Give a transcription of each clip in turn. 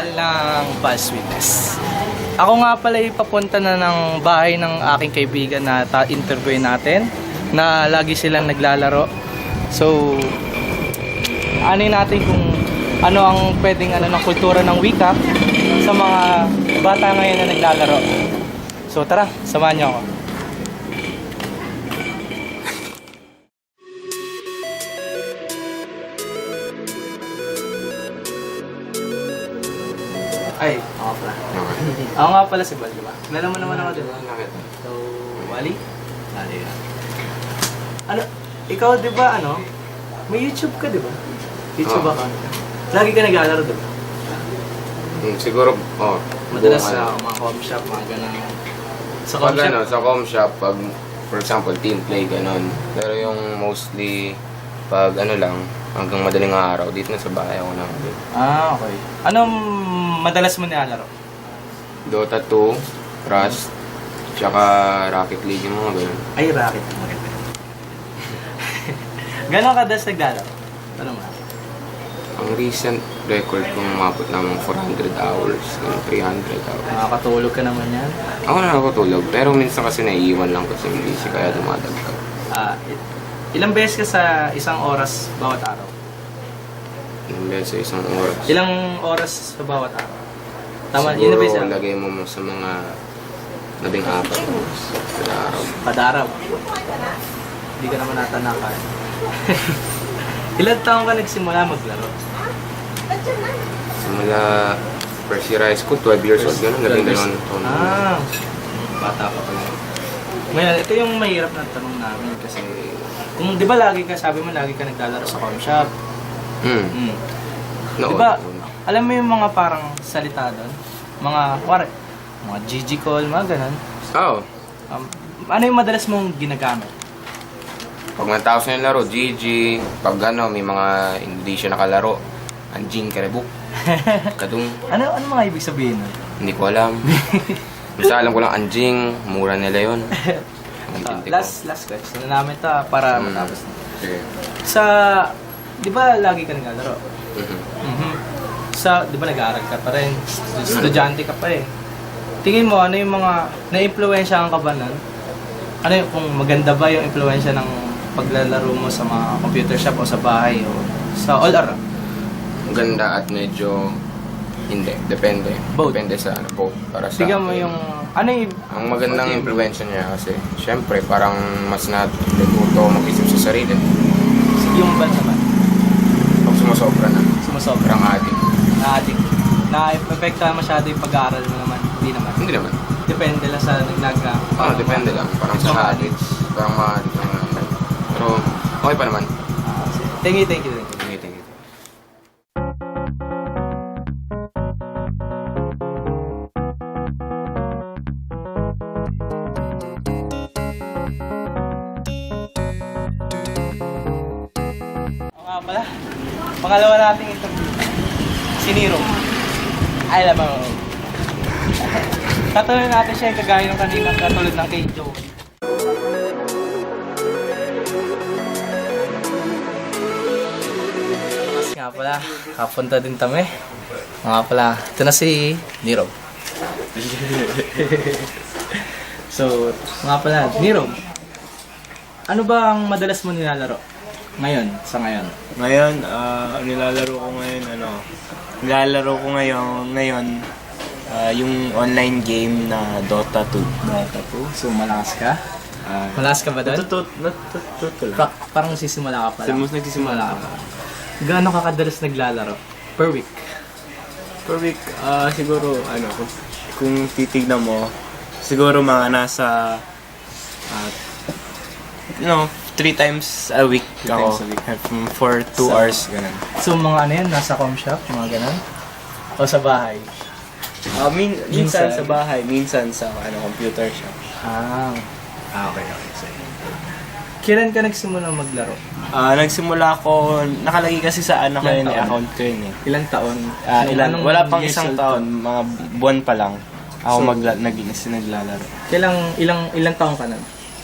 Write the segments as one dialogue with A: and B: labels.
A: channel ng False Witness. Ako nga pala papunta na ng bahay ng aking kaibigan na interview natin na lagi silang naglalaro. So, ano natin kung ano ang pwedeng ng kultura ng wika sa mga bata ngayon na naglalaro. So tara, samahan niyo ako. Ay, ako pala. Ako nga pala si Bal, di ba? Kilala mo naman ako, di ba? So, Wally? Wally yan. Ano, ikaw di ba may YouTube ka di ba? YouTube account ka. Lagi ka naglalaro di ba?
B: Siguro,
A: Madalas sa mga com shop, mga ganun. Sa com shop?
B: Sa com shop, pag, for example, team play, ganun. Pero yung mostly, pag lang, hanggang madaling araw, dito na sa bahay ako na.
A: Ah, okay. Anong madalas mo nilalaro?
B: Dota 2, Rust, tsaka Rocket League, yung mga ganun.
A: Ay, Rocket. Maganda. Gano'ng kadalas naglalaro? Ano mo?
B: Ang recent record kong umabot naman 400 hours, 300 hours.
A: Nakakatulog ka naman yan?
B: Ako na nakakatulog, pero minsan kasi naiiwan lang kasi yung busy, kaya dumadagdag.
A: Ilang beses ka sa isang oras bawat araw?
B: Ilang beses sa isang oras.
A: Ilang oras sa bawat araw? Tama,
B: siguro,
A: beses
B: lagay mo sa mga 14 oras kada araw.
A: Kada araw? Hindi ka naman natanakan. Ilan taong ka nagsimula maglaro?
B: Simula first year high school, 12 years old, gano'n, 12 taon.
A: Bata pa pala. Ngayon, ito yung mahirap na tanong namin kasi kung di ba lagi ka, sabi mo lagi ka naglalaro sa com shop. Di ba, alam mo yung mga parang salita doon? Mga GG call, mga ganun.
B: Oo.
A: Ano yung madalas mong ginagamit?
B: Pag natapos na yung laro, GG. Pag may mga hindi siya nakalaro, anjing, karebuk, kadung.
A: Ano mga ibig sabihin nun?
B: Hindi ko alam. Basta alam ko lang, anjing, mura nila yun.
A: Last question na namin ta para matapos na.
B: Sige.
A: Di ba lagi ka naglalaro? Di ba nag-aaral ka pa rin? Estudyante ka pa eh. Tingin mo, ano yung mga na-impluwensyahan ka ba nun? Ano yung, kung maganda ba yung impluwensya ng paglalaro mo sa mga computer shop o sa bahay o sa all around?
B: Maganda at medyo hindi. Depende.
A: Both?
B: Depende sa both. Para sa
A: Bigyan mo yung,
B: ang magandang impluwensya niya kasi, syempre, parang mas natuto mag-isip sa sarili.
A: yung ba naman?
B: Pag sumasobra na.
A: Sumasobra.
B: Parang adik.
A: Na-addict. Na-epekta masyado yung pag-aaral mo naman? Hindi naman.
B: Hindi naman.
A: Depende lang sa naglaga.
B: Depende lang. Parang sa habits. Parang ma-addict lang. Pero, okay pa naman.
A: Thank you.
B: Thank you.
A: Pala, pangalawa nating interview. Si Nero. Ay, alam mo. Tatuloy natin siya yung kagaya ng kanina, katulad ng kay Joe. Mas nga pala, kapunta din kami. Nga pala, ito na si Nero. So, nga pala, Nero. Ano ba ang madalas mo nilalaro? Ngayon, sa ngayon.
C: Ngayon, nilalaro ko ngayon, yung online game na Dota 2.
A: Dota 2? So, malakas ka? Malakas ka ba doon?
C: Natututo lang.
A: Parang nagsisimula ka pa lang.
C: Nagsisimula
A: ka pa. Gaano ka kadalas naglalaro? Per week?
C: Per week, siguro, kung titignan mo, siguro mga nasa, 3 times a week ako. For 2 hours, ganun.
A: So, mga ano yan? Nasa com shop? Mga ganun? O sa bahay?
C: Minsan sa bahay, minsan sa computer shop.
A: Okay. So, kailan ka nagsimula maglaro?
C: Nagsimula ako, nakalagay kasi sa account ko yun eh.
A: Ilang taon?
C: Wala pang isang taon, mga buwan pa lang. Ako naglalaro.
A: Ilang taon ka na?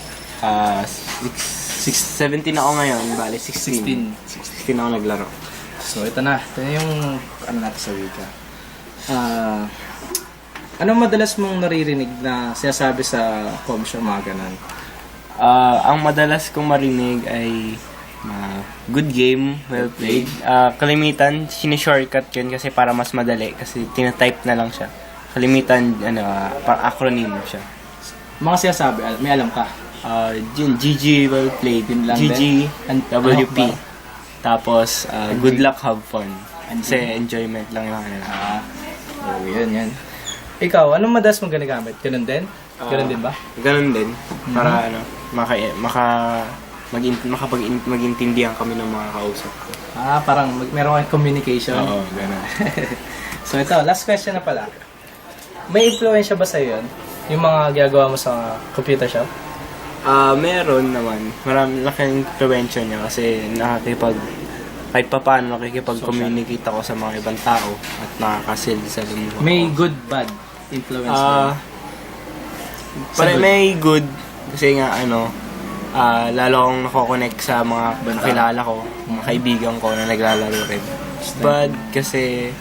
C: 17 ako ngayon, bali 16 ako naglaro.
A: So ito na yung natin sa wika. Ano madalas mong naririnig na sinasabi sa comms mga ganun?
C: Ang madalas kong marinig ay good game, well played. Kalimitan, sinishortcut yun kasi para mas madali kasi tinatype na lang siya. Kalimitan, parang acronym siya.
A: Mga sinasabi, may alam ka?
C: Yun, GG, well played.
A: Yun lang
C: GG,
A: din?
C: WP.
A: Ano ba?
C: Tapos, good luck, have fun. Kasi enjoyment lang yung
A: Yun. Ikaw, anong madalas mong ginagamit? Ganun din? Ganun din ba?
C: Ganun din. Para magintindihan kami ng mga kausap ko.
A: Parang meron kang communication.
C: Oo, ganun.
A: So ito, last question na pala. May influensya ba sa'yo yun? Yung mga ginagawa mo sa computer shop?
C: Meron naman. Marami laking influensya niya kasi kahit pa paano nakikipag-communicate ako sa mga ibang tao at nakakasil sa lumuha.
A: May good, bad influence ba?
C: May good kasi nga lalo akong nako-connect sa mga kakilala ko, mga kaibigan ko na naglalaro rin. Bad kasi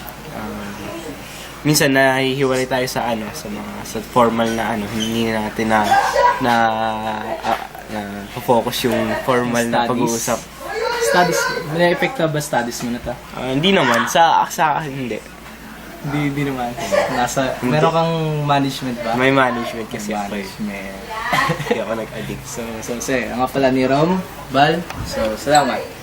C: minsan nahihiwalay tayo sa sa formal na hindi natin na focus yung formal na pag-uusap.
A: Studies, may epekto ba studies mo na to?
C: Hindi naman sa akin hindi.
A: Hindi naman. Meron kang management ba?
C: May management kasi ako eh.
A: Management.
C: Hindi ako nag-addict.
A: So, ang nga pala ni Rom, Bal. So, salamat.